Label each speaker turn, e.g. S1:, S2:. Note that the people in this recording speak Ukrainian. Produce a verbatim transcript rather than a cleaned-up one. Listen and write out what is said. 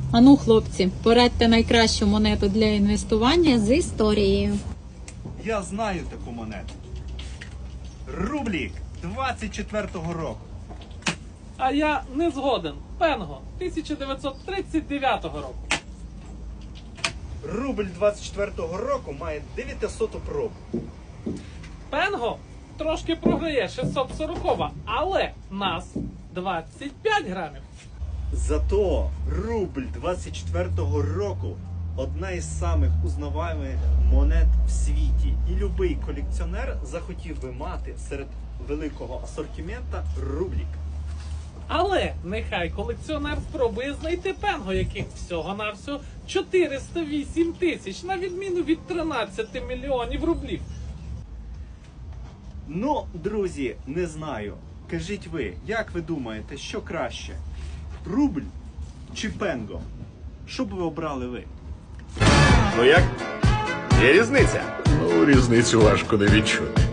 S1: Ану, хлопці, порадьте найкращу монету для інвестування з історією.
S2: Я знаю таку монету. Рублік двадцять четвертого року.
S3: А я не згоден. Пенго тисяча дев'ятсот тридцять дев'ятого року.
S2: Рубль двадцять четвертого року має дев'ятисоту пробу.
S3: Пенго трошки програє шістсот сорокова, але нас двадцять п'ять грамів.
S2: Зато рубль двадцять четвертого року одна із самих узнаваємих монет в світі. І любий колекціонер захотів би мати серед великого асортимента рублік.
S3: Але нехай колекціонер спробує знайти пенго, яких всього-навсього чотириста вісім тисяч, на відміну від тринадцяти мільйонів рублів.
S2: Ну, друзі, не знаю. Кажіть ви, як ви думаєте, що краще? Рубль чи пенго? Що б ви обрали ви?
S4: Ну як? Є різниця?
S5: Ну, різницю важко не відчути.